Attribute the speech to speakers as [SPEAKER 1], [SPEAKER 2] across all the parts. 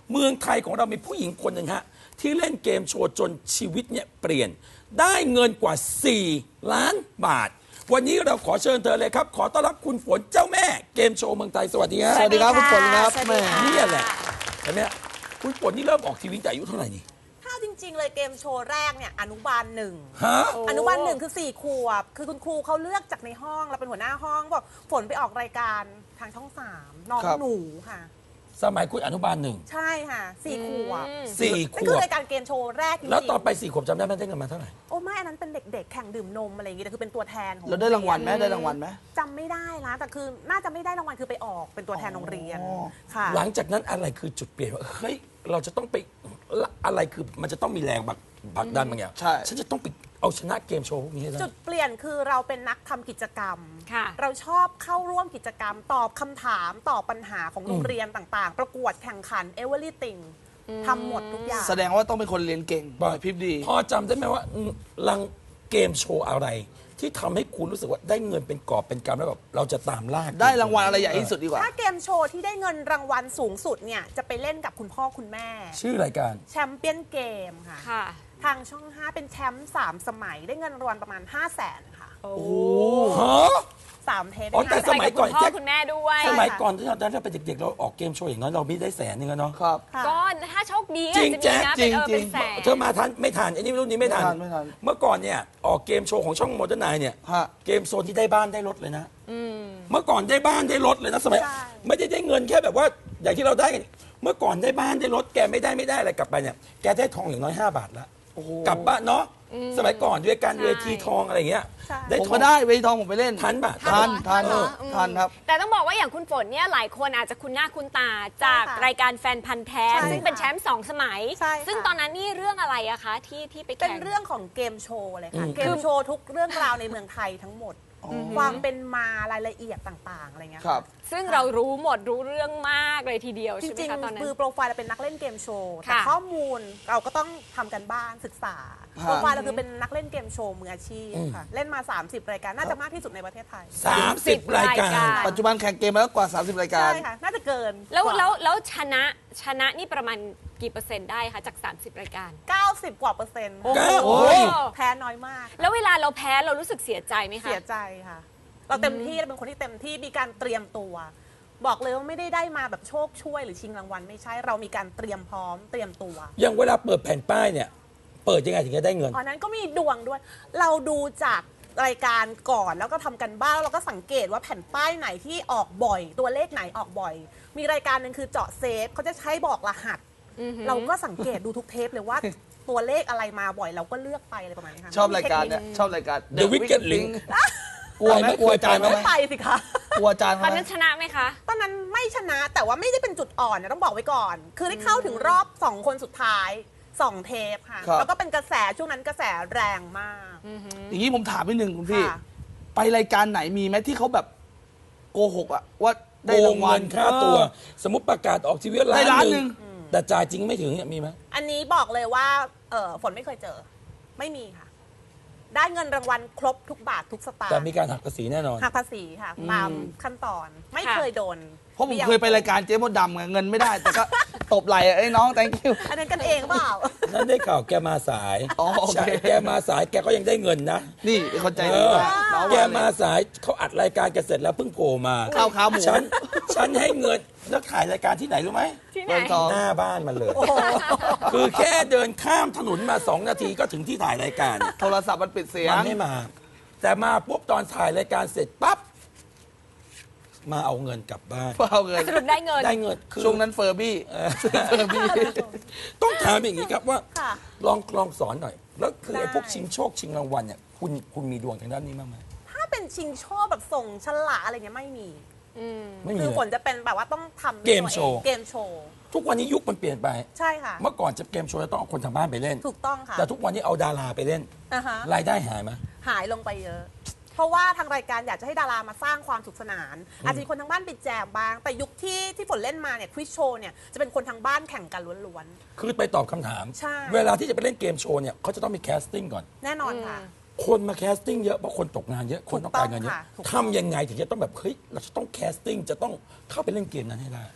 [SPEAKER 1] เมืองไทยของเรามีผู้หญิงคนหนึ่งฮะที่เล่นเกมโชว์จนชีวิตเนี่ยเปลี่ยนได้เงินกว่า4 ล้านบาทวันนี้เราขอเชิญเธอเลยครับขอต้อนรับคุณฝนเจ้าแม่เกมโชว์เมืองไทยสวัสดีครับ
[SPEAKER 2] สวัสดีครับคุณฝนครับ
[SPEAKER 3] สวัส
[SPEAKER 2] แม่
[SPEAKER 3] ดีค่ะ
[SPEAKER 1] นี่แหละอันเนี้ยคุณฝนนี่เริ่มออกทีวีแต่อายุเท่าไหร่นี่
[SPEAKER 3] ถ้าจริง ๆ เลยเกมโชว์แรกเนี่ยอนุบาลหนึ่ง
[SPEAKER 1] ฮะ
[SPEAKER 3] อนุบาลหนึ่งคือ4 ขวบคือคุณครูเขาเลือกจากในห้องเราเป็นหัวหน้าห้องบอกฝนไปออกรายการทางช่อง3น้อง
[SPEAKER 2] ครับ
[SPEAKER 3] หนูค่ะ
[SPEAKER 1] สมัยคุณอนุบาลหนึ่ง
[SPEAKER 3] ใช่ค่ะ4 ขวบ
[SPEAKER 1] สี่ข
[SPEAKER 3] นั่นคื
[SPEAKER 1] ว
[SPEAKER 3] อบ รายการเกมโชว์แรกจริงๆ
[SPEAKER 1] แล้วตอนไป4 ขวบจำได้ไหมได้เงินมาเท่าไหร่
[SPEAKER 3] โอ้ไม่อันนั้นเป็นเด็กๆแข่งดื่มนมอะไรอย่างงี้แต่คือเป็นตัวแทนของ
[SPEAKER 2] เราได้รางวัลไหมได้รางวัลไหม
[SPEAKER 3] จำไม่ได้นะแต่คือน่าจะไม่ได้รางวัลคือไปออกเป็นตัวแทนโรงเรียน
[SPEAKER 2] อ๋อ
[SPEAKER 3] ค่ะ
[SPEAKER 1] หลังจากนั้นอะไรคือจุดเปลี่ยนว่าเฮ้ยเราจะต้องไปอะไรคือมันจะต้องมีแรงผลักดันบางอย่าง
[SPEAKER 2] ใช่
[SPEAKER 1] ฉันจะต้องไปเอาชนะเกมโชว์พวกนี้ให้ได้
[SPEAKER 3] จุดเปลี่ยนคือเราเป็นนักทำกิจกรรม
[SPEAKER 4] ค่ะ
[SPEAKER 3] เราชอบเข้าร่วมกิจกรรม ตอบคำถามตอบปัญหาของโรงเรียนต่างๆ ประกวดแข่งขัน everything ทำหมดทุกอย่าง
[SPEAKER 2] แสดงว่าต้องเป็นคนเรียนเก่งไหวพริบดี
[SPEAKER 1] พอจำได้ไหมว่าลังเกมโชว์อะไร ที่ทำให้คุณรู้สึกว่าได้เงินเป็นกอบเป็นกำแล้วแบบเราจะตามล่า
[SPEAKER 2] ได้รางวัลอะไรใหญ่ที่สุดดีกว่า
[SPEAKER 3] ถ้าเกมโชว์ที่ได้เงินรางวัลสูงสุดเนี่ยจะไปเล่นกับคุณพ่อคุณแม่
[SPEAKER 1] ชื่อรายการ
[SPEAKER 3] แชมเปี้ยนเกมค่ะ
[SPEAKER 4] ค่ะ
[SPEAKER 3] ทางช่อง 5 เป็นแชมป์3 สมัยได้เงินรางวัลประมาณ 5 0 0 0 0 0 ค่ะ
[SPEAKER 4] โอ้
[SPEAKER 1] ฮะ
[SPEAKER 3] 3 เทป
[SPEAKER 1] อ๋อ
[SPEAKER 3] ได้
[SPEAKER 1] แต่
[SPEAKER 3] 500,000
[SPEAKER 1] สมัยก่อน
[SPEAKER 4] คุณพ่อคุณแม่ด้วย
[SPEAKER 1] สมัยก่อนที่เราเป็นเด็กๆ เราออกเกมโชว์อย่างน้อยเราไม่ได้100,000แล้วเนาะ
[SPEAKER 2] ครับ
[SPEAKER 3] ค่ะ
[SPEAKER 4] ก็ถ้าโชคดี
[SPEAKER 1] จริ
[SPEAKER 4] อาจ
[SPEAKER 1] ง
[SPEAKER 4] จะมีนะ
[SPEAKER 2] จริง
[SPEAKER 4] เป็น
[SPEAKER 2] จริง
[SPEAKER 4] แสน
[SPEAKER 1] เธอมาทันไม่ทันไอ้นี่รุ่นนี้ไม่ทัน
[SPEAKER 2] ไม่ทัน
[SPEAKER 1] เมื่อก่อนเนี่ยออกเกมโชว์ของช่องโมเดิร์นไนเนี่ย
[SPEAKER 2] ฮะ
[SPEAKER 1] เกมโซนที่ได้บ้านได้รถเลยนะเมื่อก่อนได้บ้านได้รถเลยนะสมัย
[SPEAKER 3] ใช่
[SPEAKER 1] ไม่ได้เงินแค่แบบว่าอย่างที่เราได้กันเมื่อก่อนได้บ้านได้รถแกไม่ได้อะไรกลับไปเนี่ยแกได้ทองอย่างน้อย5 บาทละ
[SPEAKER 2] โอ้โห
[SPEAKER 1] กลับบ้านเนาะสมัยก่อนด้วยการ
[SPEAKER 4] ใช่
[SPEAKER 1] เวทีทองอะไรอย่างเงี้ย
[SPEAKER 3] ใช่
[SPEAKER 1] ได้
[SPEAKER 2] ผม
[SPEAKER 1] ทอ
[SPEAKER 2] ก็
[SPEAKER 1] ง
[SPEAKER 2] ได้เวทีทองผมไปเล่น
[SPEAKER 1] ทันป่ะ
[SPEAKER 2] ทัน
[SPEAKER 4] ทันเหรอ
[SPEAKER 2] ทันครับ
[SPEAKER 4] แต่ต้องบอกว่าอย่างคุณฝนเนี่ยหลายคนอาจจะคุ้นหน้าคุ้นตาจาก
[SPEAKER 3] ใช่ค่ะ
[SPEAKER 4] รายการแฟนพันธ์แท้
[SPEAKER 3] ใช่
[SPEAKER 4] ซึ่งเป็นแชมป์2 สมัย
[SPEAKER 3] ใช่ค่ะ
[SPEAKER 4] ซึ่งตอนนั้นนี่เรื่องอะไรอะคะที่ไป
[SPEAKER 3] เป็น
[SPEAKER 4] แข่ง
[SPEAKER 3] เรื่องของเกมโชว์เลยค่ะ
[SPEAKER 1] อืม
[SPEAKER 3] เกมโชว์ทุกเรื่องราวในเมืองไทยทั้งหมด ความเป็นมารายละเอียดต่างๆอะไรเงี้ย
[SPEAKER 2] ครับ
[SPEAKER 4] ซึ่งเรารู้หมดรู้เรื่องมากเลยทีเดียว
[SPEAKER 3] จ
[SPEAKER 4] ใช่ไหม
[SPEAKER 3] ริง
[SPEAKER 4] คะตอนนั้
[SPEAKER 3] ๆ
[SPEAKER 4] น
[SPEAKER 3] คือโปรไฟล์เราเป็นนักเล่นเกมโชว์แต่
[SPEAKER 4] ค่ะ
[SPEAKER 3] ข้อมูลเราก็ต้องทำกันบ้านศึกษา
[SPEAKER 2] ฮะ
[SPEAKER 3] โปรไฟล์เราคือเป็นนักเล่นเกมโชว์มืออาชีพค่ะเล่นมา 30 รายการน่าจะมากที่สุดในประเทศไทย
[SPEAKER 1] 30 รายการ
[SPEAKER 2] ปัจจุบันแข่งเกมมาแล้วกว่า 30 รายการ
[SPEAKER 3] ใช่ค่ะน่าจะเกิน
[SPEAKER 4] แล้ว
[SPEAKER 3] กา
[SPEAKER 4] แล้วชนะนี่ประมาณกี่เปอร์เซ็นต์ได้คะจาก 30 รายการ
[SPEAKER 3] 90 กว่าเปอร์เซ็นต์
[SPEAKER 4] โอ้โห
[SPEAKER 1] โอ้ย
[SPEAKER 3] แพ้น้อยมาก
[SPEAKER 4] แล้วเวลาเราแพ้เรารู้สึกเสียใจไหมคะ
[SPEAKER 3] เสียใจค่ะ เราเต็มที่เราเป็นคนที่เต็มที่มีการเตรียมตัว บอกเลยว่าไม่ได้มาแบบโชคช่วยหรือชิงรางวัลไม่ใช่เรามีการเตรียมพร้อมเตรียมตัว
[SPEAKER 1] อย่างเวลาเปิดแผ่นป้ายเนี่ย เปิดยังไงถึงจะได้เงิน
[SPEAKER 3] ตอนนั้นก็มีดวงด้วย เราดูจากรายการก่อนแล้วก็ทำกันบ้านแล้วเราก็สังเกตว่าแผ่นป้ายไหนที่ออกบ่อย ตัวเลขไหนออกบ่อย มีรายการหนึ่งคือเจาะเซฟเขาจะใช้บอกรหัส เราก็สังเกตดูทุกเทปเลยว่า ตัวเลขอะไรมาบ่อยเราก็เลือกไปอะไรประมาณนี้ค่ะ
[SPEAKER 2] ชอบรายการเนี่ยชอบรายการ
[SPEAKER 1] The Wicked Link
[SPEAKER 2] กลัวไหมกลัวอาจารย์
[SPEAKER 1] เคยไปไหม
[SPEAKER 2] ไหม
[SPEAKER 3] ไปสิคะ
[SPEAKER 2] กลัวอาจารย์
[SPEAKER 4] ต
[SPEAKER 2] เขา
[SPEAKER 4] อน
[SPEAKER 2] ไหม
[SPEAKER 4] นั้นชนะไหมคะ
[SPEAKER 3] ตอนนั้นไม่ชนะแต่ว่าไม่ได้เป็นจุดอ่อนนะต้องบอกไว้ก่อน คือได้เข้าถึงรอบ 2 คนสุดท้าย 2 เทปค่ะ
[SPEAKER 2] ครับ
[SPEAKER 3] แล้วก็เป็นกระแสช่วงนั้นกระแสแรงมาก
[SPEAKER 2] อย่างนี้ผมถามนิดนึงคุณพี่
[SPEAKER 3] ค่ะ
[SPEAKER 2] ไปรายการไหนมีไหมที่เขาแบบโกหกอะว่าได้
[SPEAKER 1] โก
[SPEAKER 2] ราง งวั
[SPEAKER 1] เงิ
[SPEAKER 2] ล
[SPEAKER 1] นค่าตัว สมมติประกาศออกทีวี
[SPEAKER 2] ได้ล้าน
[SPEAKER 1] ห
[SPEAKER 2] หนึ่
[SPEAKER 1] นึ่ง
[SPEAKER 2] ง
[SPEAKER 1] แต่จ่ายจริงไม่ถึงเนี่ยมีไหม
[SPEAKER 3] อันนี้บอกเลยว่าฝนไม่เคยเจอ ไม่มีค่ะ ได้เงินรางวัลครบทุกบาททุกสตาง
[SPEAKER 1] แต่
[SPEAKER 3] ค์
[SPEAKER 1] มีการหักภาษีแน่นอน
[SPEAKER 3] หักภาษีค่ะตามขั้นตอนไม่
[SPEAKER 4] ค่ะ
[SPEAKER 3] เคยโดน
[SPEAKER 2] เพราะผมเคยไปรายการเจ๊มดดำไงเงินไม่ได้ แต่ก็ ตบไหล่ไอ้น้อง thank you
[SPEAKER 3] อันนั้นกันเองเปล่า
[SPEAKER 1] นั่นได้ข่าวแกมาสาย
[SPEAKER 2] อ๋อโอเค
[SPEAKER 1] ใช่แกมาสายแกก็ยังได้เงินนะ
[SPEAKER 2] นี่เป็นคนใจ
[SPEAKER 1] เอ
[SPEAKER 2] ดี
[SPEAKER 1] อ
[SPEAKER 2] มากน้อง
[SPEAKER 1] แก
[SPEAKER 2] ว่า
[SPEAKER 1] มาสายเขาอัดรายการแกเสร็จแล้วเพิ่งโผล่มา
[SPEAKER 2] ข้าวขาหมู
[SPEAKER 1] ฉันให้เงินแล้วถ่ายรายการที่ไหนรู้ไหม
[SPEAKER 4] ที่ไหน
[SPEAKER 2] เมืองทอง
[SPEAKER 1] หน้าบ้านมันเลย คือแค่เดินข้ามถนนมา2 นาทีก็ถึงที่ถ่ายรายการ
[SPEAKER 2] โทรศัพท์มันปิดเสียง
[SPEAKER 1] มันไม่มา แต่มาปุ๊บตอนถ่ายรายการเสร็จปั๊บมาเอาเงินกลับบ้าน
[SPEAKER 2] เปล่าเงิน
[SPEAKER 4] สรุปได้เงิน
[SPEAKER 1] ได้เงินคือ
[SPEAKER 2] ช่วงนั้นเฟอร์บี้เฟอร์บี้
[SPEAKER 1] ต้องถามอย่างนี้ครับว่า
[SPEAKER 3] ค่ะ
[SPEAKER 1] ลองสอนหน่อย แล้วคือไอ้
[SPEAKER 3] ได้
[SPEAKER 1] พวกชิงโชคชิงรางวัลเนี่ยคุณมีดวงทางด้านนี้บ้างไหม
[SPEAKER 3] ถ้าเป็นชิงโชคแบบส่งฉลากอะไรเงี้ยไม่มี
[SPEAKER 1] ไม่มี
[SPEAKER 3] คือ
[SPEAKER 1] เลย
[SPEAKER 3] ฝนจะเป็นแบบว่าต้องทำด้วย
[SPEAKER 1] เกม
[SPEAKER 3] ตัวอง
[SPEAKER 1] โชว์
[SPEAKER 3] เกมโชว์
[SPEAKER 1] ทุกวันนี้ยุคมันเปลี่ยนไป
[SPEAKER 3] ใช่ค่ะ
[SPEAKER 1] เมื่อก่อนจะเกมโชว์จะต้องเอาคนทางบ้านไปเล่น
[SPEAKER 3] ถูกต้องค่ะ
[SPEAKER 1] แต่ทุกวันนี้เอาดาราไปเล่น
[SPEAKER 3] อ่าฮะ
[SPEAKER 1] รายได้หายไหม
[SPEAKER 3] หายลงไปเยอะ เพราะว่าทางรายการอยากจะให้ดารามาสร้างความสุขสนาน อาจจะมีคนทางบ้านไปแจมบ้าง แต่ยุคที่ฝนเล่นมาเนี่ยควิสโชว์เนี่ยจะเป็นคนทางบ้านแข่งกันล้วน
[SPEAKER 1] คือไปตอบคำถาม
[SPEAKER 3] ใช่
[SPEAKER 1] เวลาที่จะไปเล่นเกมโชว์เนี่ยเขาจะต้องมีแคสติ้งก่อน
[SPEAKER 3] ๆ แน่นอนค่ะ
[SPEAKER 1] คนมาแคสติ้งเยอะเพราะคนตกงานเยอะคนต้องการเงินเยอะ
[SPEAKER 3] ถูกต้องค่ะ
[SPEAKER 1] ทำยังไงถึงจะต้องแบบเฮ้ยเราจะต้องแคสติ้งจะต้องเข้าไปเล่นเกมนั้นให้ได้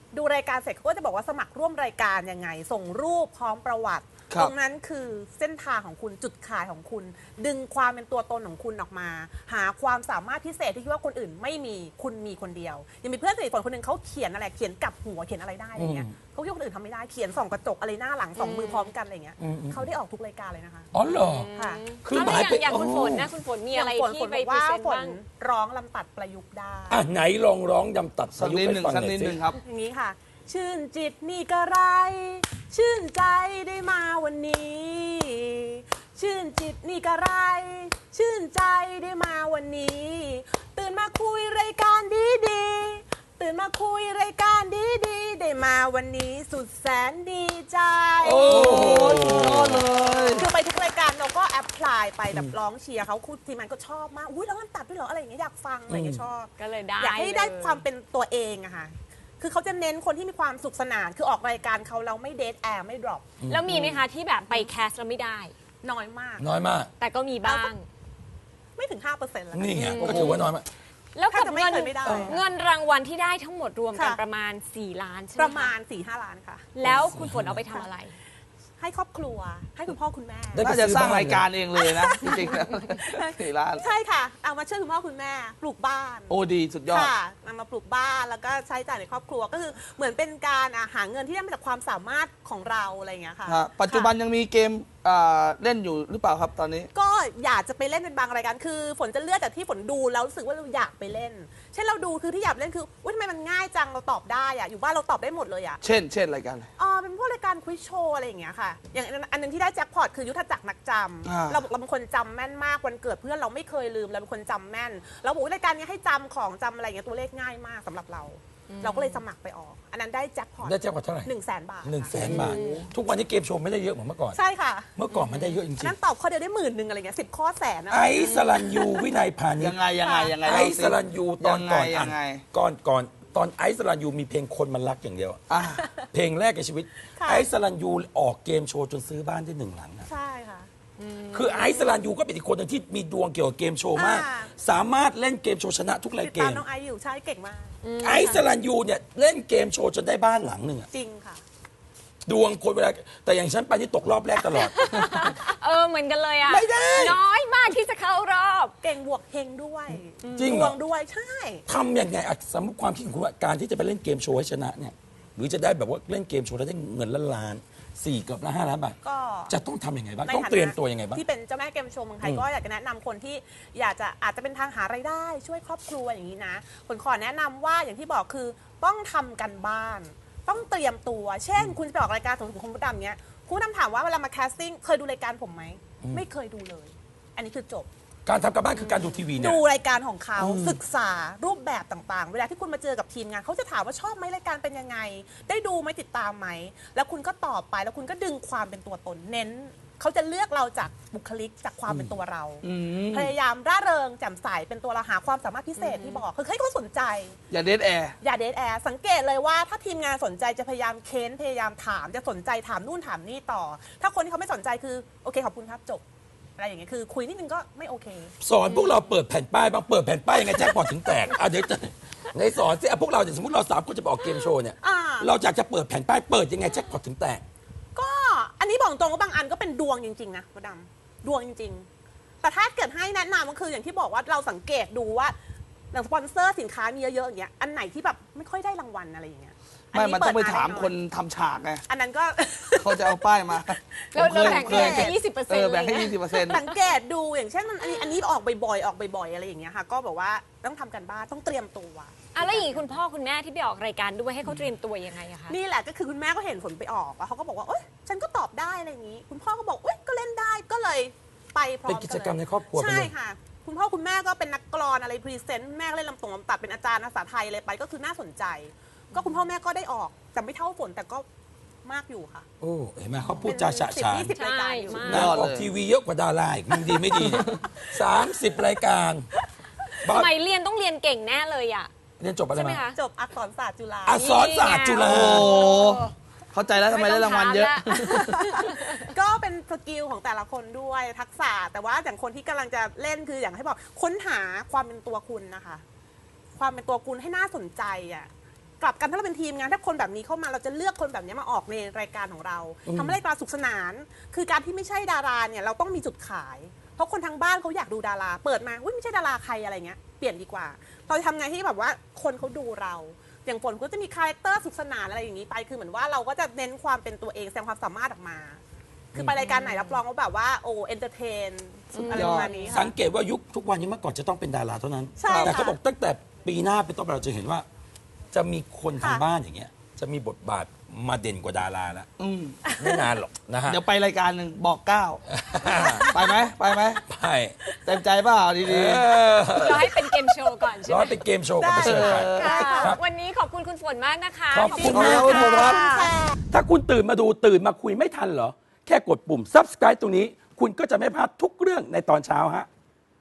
[SPEAKER 3] ดูรายการเสร็จเขาก็จะบอกว่าสมัครร่วมรายการยังไง ส่งรูปพร้อมประวัติ
[SPEAKER 2] ครับ
[SPEAKER 3] ตรงนั้นคือเส้นทางของคุณจุดขายของคุณ ดึงความเป็นตัวตนของคุณออกมา หาความสามารถพิเศษที่คิดว่าคนอื่นไม่มีคุณมีคนเดียวยังมีเพื่อนสนิทคนหนึ่งเขาเขียนอะไรเขียนกลับหัวเขียนอะไรได้อะไรเงี้ยเขาคิดว่าคนอื่นทำไม่ได้เขียนส่องกระจกอะไรหน้าหลังสองมือพร้อมกันอะไรเงี้ยเขาได้ออกทุกรายการเลยนะคะ
[SPEAKER 1] อ๋อเหรอ
[SPEAKER 3] ค่ะ
[SPEAKER 1] คือ
[SPEAKER 4] แล้ว
[SPEAKER 1] หมาย
[SPEAKER 4] อย่างคุณ
[SPEAKER 1] โ
[SPEAKER 4] ฝนนะคุณฝนมีอะไร
[SPEAKER 3] ฝน
[SPEAKER 4] ที่
[SPEAKER 3] ฝน
[SPEAKER 4] ไป
[SPEAKER 3] บอก
[SPEAKER 4] พรี
[SPEAKER 3] ว่า
[SPEAKER 4] เซนต์
[SPEAKER 3] ฝน
[SPEAKER 4] บ้าง
[SPEAKER 3] ร้องลำตัดประยุกต์ได้
[SPEAKER 1] อ่ะไหนลองร้องยำตัด
[SPEAKER 2] สักนิดหนึ่ง
[SPEAKER 1] ให้ฟั
[SPEAKER 2] สัก
[SPEAKER 1] ห
[SPEAKER 2] นิ
[SPEAKER 1] อย
[SPEAKER 2] ด
[SPEAKER 1] สิ
[SPEAKER 2] หนึ่งครับ
[SPEAKER 3] อย่างนี้ค่ะ ชื่นจิตนี่กระไร ชื่นใจได้มาวันนี้ ชื่นจิตนี่กระไร ชื่นใจได้มาวันนี้ ตื่นมาคุยรายการดีดีๆตื่นมาคุยรายการดีดีๆได้มาวันนี้สุดแสนดีใจ
[SPEAKER 1] โอ้
[SPEAKER 2] สุดยอดเลย
[SPEAKER 3] คือไปทุกรายการเราก็แอพพลายไปแบบร้องเชียร์เขาคุณทีมงานก็ชอบมากอุ้ยแล้วมันตัดด้วยเหรออะไรอย่างเงี้ยอยากฟังอะไรอย่างเงี้ยชอบ
[SPEAKER 4] ก็เลยได้
[SPEAKER 3] อยากให้ได้
[SPEAKER 4] เลย
[SPEAKER 3] ความเป็นตัวเองอะค่ะ คือเขาจะเน้นคนที่มีความสุขสนาน คือออกรายการเขาเราไม่เดทแอร์ไม่ดรอป
[SPEAKER 4] แล้วมีไหมคะที่แบบไปแคสแล้วไม่ได้
[SPEAKER 3] น้อยมาก
[SPEAKER 1] น้อยมาก
[SPEAKER 4] แต่ก็มีบ้าง
[SPEAKER 3] ไม่ถึง 5%แล้ว
[SPEAKER 1] นี่ไงก็ถือว่าน้อยมาก
[SPEAKER 4] แล้วกับ
[SPEAKER 3] ถ้าจะไม่
[SPEAKER 4] เงิน
[SPEAKER 3] เคยไม่ได้
[SPEAKER 4] เงินรางวัลที่ได้ทั้งหมดรวมกัน
[SPEAKER 3] ค่ะ
[SPEAKER 4] ประมาณ 4 ล้านใช่ไหม
[SPEAKER 3] ประ
[SPEAKER 4] ค
[SPEAKER 3] มาณ 4-5 ล้านค่ะ
[SPEAKER 4] แล้วคุณฝนเอาไปทำอะไร
[SPEAKER 3] ให้ครอบครัว ให้คุณพ่อคุณแม่
[SPEAKER 1] ได้
[SPEAKER 2] น่าจะสร้างรายการเองเลยนะ จริงๆแล้วสี่ล้าน
[SPEAKER 3] ใช่ค่ะ เอามาช่วยคุณพ่อคุณแม่ ปลูกบ้าน
[SPEAKER 2] โอ้ดีสุดยอด
[SPEAKER 3] ค่ะนำมาปลูกบ้านแล้วก็ใช้จ่ายในครอบครัว ก็คือเหมือนเป็นการหาเงินที่ได้มาจากความสามารถของเราอะไรอย่างเงี้ยค่ะ
[SPEAKER 2] ฮะปัจจุบันยังมีเกมเล่นอยู่หรือเปล่าครับตอนนี้
[SPEAKER 3] ก็อยากจะไปเล่นเป็นบางรายการ คือฝนจะเลือกจากที่ฝนดูแล้วรู้สึกว่าเราอยากไปเล่น เช่นเราดูคือที่อยากเล่นคือว่าทำไมมันง่ายจังเราตอบได้อะอยู่บ้านเราตอบได้หมดเลยอะ
[SPEAKER 2] เช่นรายการอะไร
[SPEAKER 3] เป็นพวกรายการควิซโชว์อะไรอย่างเงี้ยค่ะ อย่างอันนึงที่ได้แจ็คพอตคือยุทธจักรนักจ
[SPEAKER 2] อ่า
[SPEAKER 3] ำเราบอกเราเป็นคนจำแม่นมากวันเกิดเพื่อนเราไม่เคยลืมเราเป็นคนจำแม่นเราบอกว่ารายการนี้ให้จำของจำอะไรอย่างเงี้ยตัวเลขง่ายมากสำหรับเรา เราก็เลยสมัครไปออก อันนั้นได้แจ็คพอต
[SPEAKER 1] ได้แจ้งว่าเท่าไหร่
[SPEAKER 3] 100,000 บาท
[SPEAKER 1] 100,000 บาท ทุกวันนี้เกมโชว์ไม่ได้เยอะเหมือนเมื่อก่อน
[SPEAKER 3] ใช่ค่ะ
[SPEAKER 1] เมื่อก่อนมันได้เยอะจ
[SPEAKER 3] อัน
[SPEAKER 1] ริง
[SPEAKER 3] นั้นตอบข้อเดียวได้10,000อะไรเงี้ย10 ข้อแสนนะ
[SPEAKER 1] ๆไอซ์สลันยูวินัยพานิช
[SPEAKER 2] ยังไงยังไง
[SPEAKER 1] ไอซ์สลันยูตอนก่อน
[SPEAKER 2] ยังไง
[SPEAKER 1] ก่อนตอนไอซ์สลันยูมีเพลงคนมันรักอย่างเดียวอะ
[SPEAKER 2] อ่ะ
[SPEAKER 1] เพลงแรกในชีวิต
[SPEAKER 3] ค่ะ
[SPEAKER 1] ไอซ์สลันยูออกเกมโชว์จนซื้อบ้านได้1 หลังอะ
[SPEAKER 3] ใช่ค่ะ
[SPEAKER 1] คือไอซ์สลันยูก็เป็นอีกคนหนึ่งที่มีดวงเกี่ยวกับเกมโชว์มาก
[SPEAKER 3] อ่า
[SPEAKER 1] สามารถเล่นเกมโชว์ชนะทุกราย
[SPEAKER 3] ติด
[SPEAKER 1] เก
[SPEAKER 3] ตาม
[SPEAKER 1] ม
[SPEAKER 3] น้องไอซ์อยู่ใช่เก่งมาก
[SPEAKER 1] ไอซ์สลันยูเนี่ยเล่นเกมโชว์จนได้บ้านหลังหนึ่งอะ
[SPEAKER 3] จริงค่ะ
[SPEAKER 1] ดวงคนเวลาแต่อย่างฉันไปนี่ตกรอบแรกตลอด
[SPEAKER 4] เหมือนกันเลยอะ
[SPEAKER 1] ไม่ได้
[SPEAKER 4] น้อยมากที่จะเข้ารอบ
[SPEAKER 3] เก่งบวกเฮงด้วย
[SPEAKER 1] จริง
[SPEAKER 3] ด
[SPEAKER 1] เหร
[SPEAKER 3] ว
[SPEAKER 1] อ
[SPEAKER 3] งด้วยใช่
[SPEAKER 1] ทำยังไงอะสมมติความคิดของคุณว่าการที่จะไปเล่นเกมโชว์ให้ชนะเนี่ยหรือจะได้แบบว่าเล่นเกมโชว์แล้วได้เงินล้าน4 เกือบละ5 ล้านบาท
[SPEAKER 3] ก็
[SPEAKER 1] จะต้องทำยังไงบ้าง
[SPEAKER 3] ใน
[SPEAKER 1] ต้อง
[SPEAKER 3] ฐานะ
[SPEAKER 1] เตรียมตัวยังไงบ้าง
[SPEAKER 3] ที่เป็นเจ้าแม่เกมโชว์เมืองไทย
[SPEAKER 1] อืม
[SPEAKER 3] ก็อยากจะแนะนำคนที่อยากจะอาจจะเป็นทางหารายได้ช่วยครอบครัวอย่างนี้นะผลขอแนะนำว่าอย่างที่บอกคือต้องทำกันบ้าน ต้องเตรียมตัว เช่น คุณจะไปออกรายการสมมติคุณมดดำเนี้ยคุณมดดำถามว่าเวลามาแคสติ้งเคยดูรายการผมไหมไม่เคยดูเลย อันนี้คือจบ
[SPEAKER 1] การทำการบ้านคือการดูทีวีเนี่ย
[SPEAKER 3] ดูรายการของเขาศึกษารูปแบบต่างๆ เวลาที่คุณมาเจอกับทีมงานเขาจะถามว่าชอบไหมรายการเป็นยังไง ได้ดูไหมติดตามไหมแล้วคุณก็ตอบไปแล้วคุณก็ดึงความเป็นตัวตนเน้นเขาจะเลือกเราจากบุคลิกจากความเป็นตัวเรา พยายามร่าเริงแจ่มใสเป็นตัวเราหาความสามารถพิเศษที่บอกคือให้เขาสนใจ
[SPEAKER 2] อย่าเดทแอร์
[SPEAKER 3] อย่าเดทแอร์สังเกตเลยว่าถ้าทีมงานสนใจจะพยายามเค้นพยายามถามจะสนใจถามนู่นถามนี่ต่อ ถ้าคนที่เขาไม่สนใจคือโอเคขอบคุณครับจบอะไรอย่างเงี้ยคือคุยนิดนึงก็ไม่โอเค
[SPEAKER 1] สอนพวกเราเปิดแผ่นป้ายบ้างเปิดแผ่นป้ายยังไงแจ็คพอตถึงแตกเดี๋ยวจะในสอนสิพวกเราเนี่ยสมมติเรา3 คนจะไปออกเกมโชว์เนี่ย
[SPEAKER 3] อ่า
[SPEAKER 1] เราอยากจะเปิดแผ่นป้ายเปิดยังไงแจ็คพอตถึงแตก
[SPEAKER 3] ก็อันนี้บอกตรงว่าบางอันก็เป็นดวงจริงๆนะมดดำดวงจริง ๆ แต่ถ้าเกิดให้แนะนำก็คืออย่างที่บอกว่าเราสังเกตดูว่าอย่างสปอนเซอร์สินค้ามีเยอะๆอย่างเงี้ยอันไหนที่แบบไม่ค่อยได้รางวัลอะไรอย่างเงี้ย
[SPEAKER 2] ไม่มันต้องไป
[SPEAKER 3] เด
[SPEAKER 2] ถาม
[SPEAKER 3] แน่
[SPEAKER 2] คนทำฉากไง
[SPEAKER 3] อันนั้นก็
[SPEAKER 2] เขาจะเอาป้ายมา
[SPEAKER 4] แล้ว
[SPEAKER 2] ผม
[SPEAKER 4] แบ่ง
[SPEAKER 2] เคย
[SPEAKER 4] แค่20%
[SPEAKER 2] แบ่งให้
[SPEAKER 4] เลยนะ
[SPEAKER 2] 20%
[SPEAKER 3] สังเกตดูอย่างเช่นอันนี้ออกบ่อยๆออกบ่อยๆอะไรอย่างเงี้ยค่ะก็บอกว่าต้องทำกันบ้านต้องเตรียมตัว
[SPEAKER 4] แล้วอย่างนี้คุณพ่อคุณแม่ที่ไปออกรายการด้วยให้เขาเตรียมตัวยังไงอะคะ
[SPEAKER 3] นี่แหละก็คือคุณแม่ก็เห็นผลไปออกแล้วเขาก็บอกว่าเอ้ยฉันก็ตอบได้อะไรอย่างนี้ คุณพ่อก็บอกเอ้ยก็เล่นได้ก็เลยไปพร้อม
[SPEAKER 1] เป็นกิจกรรมในครอบครัวไปเลย
[SPEAKER 3] ใช่ค่ะ คุณพ่อคุณแม่ก็เป็นนักกลอนอะไรพรีเซนต์แม่ก็เล่นลำตรงลำตัดเป็นอาจารย์ภาษาไทยอะไรไปก็คือน่าสนใจ ก็คุณพ่อแม่ก็ได้ออกแต่ไม่เท่าฝนแต่ก็มากอยู่ค่ะ
[SPEAKER 1] โอ้เห็นไหมเขาพูดจาฉะฉาน
[SPEAKER 3] 10-20 รายการอยู่
[SPEAKER 4] ใช่
[SPEAKER 1] นางออกทีวีเยอะกว่าดาราอีกมึงดีไม่ดีเนี่ย30 รายการบ้า
[SPEAKER 4] สมัยเรียนต้องเรียนเก่งแน่เลยอะ
[SPEAKER 1] เรียนจบอะไร
[SPEAKER 4] ใช่ไหม
[SPEAKER 1] มา
[SPEAKER 4] คะ
[SPEAKER 3] จบอักษรศาสตร์จุฬา
[SPEAKER 1] อักษรศาสตร์จุฬา
[SPEAKER 2] โอ้เข้าใจแล้วทำไมได้รางวัลเยอะ
[SPEAKER 3] ก็เป็นสกิลของแต่ละคนด้วยทักษะแต่ว่าอย่างคนที่กำลังจะเล่นคืออย่างให้บอกค้นหาความเป็นตัวคุณนะคะ ความเป็นตัวคุณให้น่าสนใจอ่ะกลับกันถ้าเราเป็นทีมงานถ้าคนแบบนี้เข้ามาเราจะเลือกคนแบบนี้มาออกในรายการของเราทำให้รายการสุขสนาน คือการที่ไม่ใช่ดาราเนี่ยเราต้องมีจุดขาย เพราะคนทางบ้านเขาอยากดูดาราเปิดมาอุ้ยไม่ใช่ดาราใครอะไรเงี้ยเปลี่ยนดีกว่าเราจะทำไงให้แบบว่าคนเขาดูเรา อย่างฝนก็จะมีคาแรคเตอร์สุขสนานอะไรอย่างนี้ไปคือเหมือนว่าเราก็จะเน้นความเป็นตัวเองแสดงความสามารถออกมา คือไปรายการไหนรับรองว่าแบบว่าโอ้เอนเตอร์เทนอะไรประมาณนี้ค่ะ
[SPEAKER 1] สังเกตว่ายุคทุกวันนี้เมื่อก่อนจะต้องเป็นดาราเท่านั้น
[SPEAKER 3] ใช่ค่ะ
[SPEAKER 1] แต่เขาบอกตั้งแต่ปีหน้าเป็นต้นไปเราจะเห็นว่า จะมีคนทางบ้านอย่างเงี้ย จะมีบทบาทมาเด่นกว่าดาราแล้ว
[SPEAKER 2] อืม
[SPEAKER 1] ไม่นานหรอกนะฮะ
[SPEAKER 2] เดี๋ยวไปรายการหนึ่งบอก 9 ไปไหมไปไหม
[SPEAKER 1] ไป
[SPEAKER 2] เต็มใจเปล่าดี
[SPEAKER 1] เออ
[SPEAKER 4] รอให้เป็นเกมโชว์ก่อนใช่
[SPEAKER 1] ร้
[SPEAKER 4] ไห
[SPEAKER 1] อ
[SPEAKER 4] ม
[SPEAKER 1] ยเป็นเกมโชว์กับไปเชิญไป
[SPEAKER 4] ค่ะ
[SPEAKER 1] ครับ
[SPEAKER 4] วันนี้ขอบคุณคุณฝนมากนะคะ
[SPEAKER 1] ขอบคุณ
[SPEAKER 2] ๆขอบคุณครับ
[SPEAKER 1] ถ้าคุณตื่นมาดูตื่นมาคุยไม่ทันเหรอ แค่กดปุ่ม subscribe ตรงนี้ คุณก็จะไม่พลาดทุกเรื่องในตอนเช้าฮะ